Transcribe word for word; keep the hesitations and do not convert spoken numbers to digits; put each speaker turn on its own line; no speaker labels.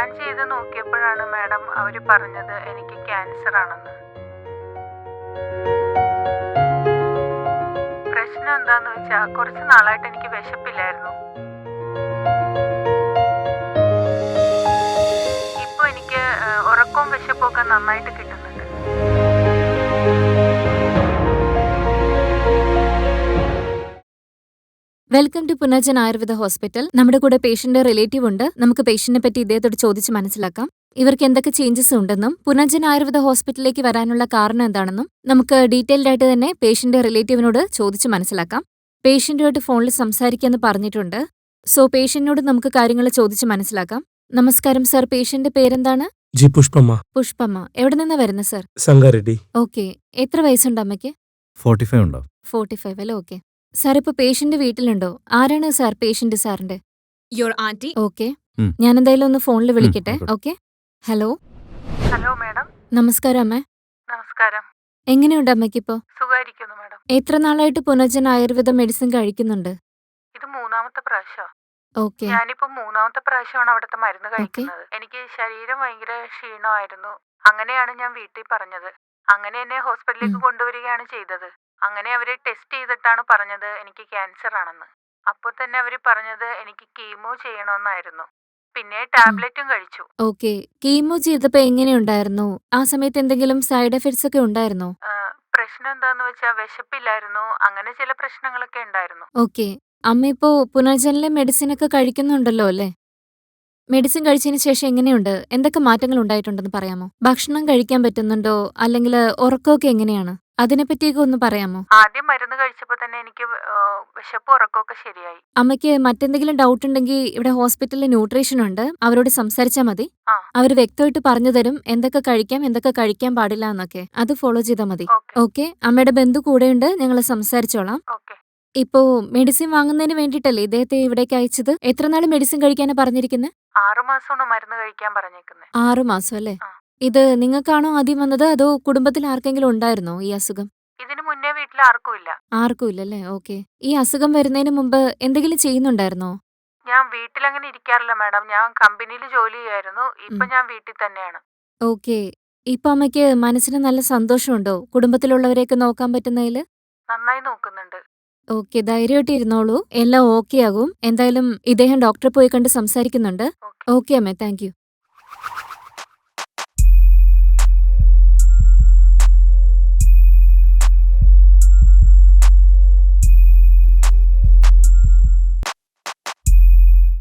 Scan ചെയ്ത് നോക്കിയപ്പോഴാണ് madam അവർ പറഞ്ഞത് എനിക്ക് ക്യാൻസർ ആണെന്ന്. പ്രശ്നം എന്താന്ന് വെച്ചാൽ കുറച്ച് നാളായിട്ട് എനിക്ക് വിശപ്പില്ലായിരുന്നു. ഇപ്പൊ എനിക്ക് ഉറക്കവും വിശപ്പൊക്കെ നന്നായിട്ട് കിട്ടുന്നുണ്ട്.
Welcome to Punarjan Ayurveda hospital. നമ്മുടെ കൂടെ പേഷ്യന്റ് റിലേറ്റീവ് ഉണ്ട്. നമുക്ക് പേഷ്യന്റിനെ പറ്റി ഇദ്ദേഹത്തോട് ചോദിച്ച് മനസ്സിലാക്കാം. ഇവർക്ക് എന്തൊക്കെ ചേഞ്ചസ് ഉണ്ടെന്നും പുനർജൻ ആയുർവേദ ഹോസ്പിറ്റലിലേക്ക് വരാനുള്ള കാരണം എന്താണെന്നും നമുക്ക് ഡീറ്റെയിൽഡ് ആയിട്ട് തന്നെ പേഷ്യന്റ് റിലേറ്റീവിനോട് ചോദിച്ച് മനസ്സിലാക്കാം. പേഷ്യന്റുമായിട്ട് ഫോണിൽ സംസാരിക്കാന്ന് പറഞ്ഞിട്ടുണ്ട്. സോ പേഷ്യന്റിനോട് നമുക്ക് കാര്യങ്ങൾ ചോദിച്ച് മനസ്സിലാക്കാം. നമസ്കാരം സർ, പേഷ്യന്റ് പേരെന്താണ്?
ജി പുഷ്പമ്മ.
പുഷ്പമ്മ. എവിടെ നിന്നാ വരുന്നത് സർ?
സംഗാരെഡ്ഡി.
ഓക്കെ. എത്ര വയസ്സുണ്ട് അമ്മയ്ക്ക്?
ഫോർട്ടി ഫൈവ് ഉണ്ടോ?
ഫോർട്ടി ഫൈവ് അല്ലേ? ഓക്കെ സാർ, ഇപ്പൊ പേഷ്യന്റ് വീട്ടിലുണ്ടോ? ആരാണ് സാർ പേഷ്യന്റ്? സാറിന്റെ
യുവർ ആന്റി.
ഓക്കെ, ഞാൻ എന്തായാലും ഒന്ന് ഫോണിൽ വിളിക്കട്ടെ.
ഉം,
ഓക്കെ. Hello
hello madam.
നമസ്കാരം അമ്മേ.
നമസ്കാരം.
എങ്ങനെയുണ്ട് അമ്മയ്ക്കിപ്പോ?
സുഖായിരിക്കുന്നു മാഡം.
എത്ര നാളായിട്ട് പുനർജൻ ആയുർവേദ മെഡിസിൻ കഴിക്കുന്നുണ്ട്?
ഇത് മൂന്നാമത്തെ പ്രാവശ്യം.
ഓക്കെ
ഞാനിപ്പോ മൂന്നാമത്തെ പ്രാവശ്യമാണ് അവിടുത്തെ മരുന്ന് കഴിക്കുന്നത്. എനിക്ക് ശരീരം ഭയങ്കര ക്ഷീണമായിരുന്നു. അങ്ങനെയാണ് ഞാൻ വീട്ടിൽ പറഞ്ഞത്. അങ്ങനെ എന്നെ ഹോസ്പിറ്റലിലേക്ക്
ഉം.
കൊണ്ടുവരികയാണ് ചെയ്തത്. അങ്ങനെ അവര് ടെസ്റ്റ് ചെയ്തിട്ടാണ് പറഞ്ഞത് എനിക്ക് ക്യാൻസർ ആണെന്ന്. അപ്പൊ തന്നെ അവര് പറഞ്ഞത് എനിക്ക് കീമോ ചെയ്യണമെന്നായിരുന്നു. പിന്നെ ടാബ്ലറ്റും കഴിച്ചു.
ഓക്കെ. കീമോ ചെയ്തപ്പോ എങ്ങനെയുണ്ടായിരുന്നു? ആ സമയത്ത് എന്തെങ്കിലും സൈഡ് എഫക്ട്സ് ഒക്കെ ഉണ്ടായിരുന്നോ?
ആ, പ്രശ്നം എന്താന്ന് വെച്ചാൽ വിശപ്പില്ലായിരുന്നു. അങ്ങനെ ചില പ്രശ്നങ്ങളൊക്കെ ഉണ്ടായിരുന്നു.
ഓക്കെ. അമ്മ ഇപ്പോ പുനർജനിലെ മെഡിസിൻ ഒക്കെ കഴിക്കുന്നുണ്ടല്ലോ അല്ലേ? മെഡിസിൻ കഴിച്ചതിന് ശേഷം എങ്ങനെയുണ്ട്? എന്തൊക്കെ മാറ്റങ്ങൾ ഉണ്ടായിട്ടുണ്ടെന്ന് പറയാമോ? ഭക്ഷണം കഴിക്കാൻ പറ്റുന്നുണ്ടോ? അല്ലെങ്കിൽ ഉറക്കമൊക്കെ എങ്ങനെയാണ്? അതിനെപ്പറ്റിയൊക്കെ ഒന്ന് പറയാമോ?
ആദ്യം മരുന്ന് കഴിച്ചപ്പോ തന്നെ എനിക്ക് ആ, വിശപ്പ് ഉറക്കമൊക്കെ ശരിയായി.
അമ്മയ്ക്ക് മറ്റെന്തെങ്കിലും ഡൗട്ട് ഉണ്ടെങ്കിൽ ഇവിടെ ഹോസ്പിറ്റലിൽ ന്യൂട്രീഷൻ ഉണ്ട്, അവരോട് സംസാരിച്ചാൽ മതി.
ആ.
അവർ വ്യക്തമായിട്ട് പറഞ്ഞു തരും എന്തൊക്കെ കഴിക്കാം എന്തൊക്കെ കഴിക്കാൻ പാടില്ല എന്നൊക്കെ. അത് ഫോളോ ചെയ്താൽ മതി.
Okay
okay. അമ്മയുടെ ബന്ധു കൂടെയുണ്ട്, ഞങ്ങൾ സംസാരിച്ചോളാം.
ഓക്കെ.
ഇപ്പോ മെഡിസിൻ വാങ്ങുന്നതിന് വേണ്ടിയിട്ടല്ലേ ഇദ്ദേഹത്തെ ഇവിടേക്ക് അയച്ചത്? എത്ര നാൾ മെഡിസിൻ കഴിക്കാനാ പറഞ്ഞിരിക്കുന്നത്?
ആറു മാസമാണ് മരുന്ന് കഴിക്കാൻ പറഞ്ഞേക്കുന്നത്.
ആറു മാസം അല്ലേ?
ആ.
ഇത് നിങ്ങൾക്കാണോ ആദ്യം വന്നത്, അതോ കുടുംബത്തിൽ ആർക്കെങ്കിലും ഉണ്ടായിരുന്നോ ഈ അസുഖം?
ഇതിനു മുന്നേ വീട്ടിൽ ആർക്കും ഇല്ല.
ആർക്കും ഇല്ലല്ലേ? ഓക്കെ. ഈ അസുഖം വരുന്നതിന് മുമ്പ് എന്തെങ്കിലും ചെയ്യുന്നുണ്ടായിരുന്നോ?
ഞാൻ വീട്ടിൽ അങ്ങനെ ഇരിക്കാറില്ല മാഡം. ഞാൻ കമ്പനിയിൽ ജോലി ചെയ്യായിരുന്നു. ഇപ്പൊ
ഉം.
ഞാൻ വീട്ടിൽ തന്നെയാണ്.
ഓക്കെ. ഇപ്പൊ അമ്മയ്ക്ക് മനസ്സിന് നല്ല സന്തോഷമുണ്ടോ കുടുംബത്തിലുള്ളവരെയൊക്കെ നോക്കാൻ പറ്റുന്നതിൽ?
നന്നായി നോക്കുന്നുണ്ട്.
ഓക്കെ, ധൈര്യമായിട്ട് ഇരുന്നോളൂ, എല്ലാം ഓക്കെ ആകും. എന്തായാലും ഇദ്ദേഹം ഡോക്ടറെ പോയി കണ്ട് സംസാരിക്കുന്നുണ്ട്.
ഓക്കെ.
ഓക്കെ അമ്മേ, താങ്ക് യു.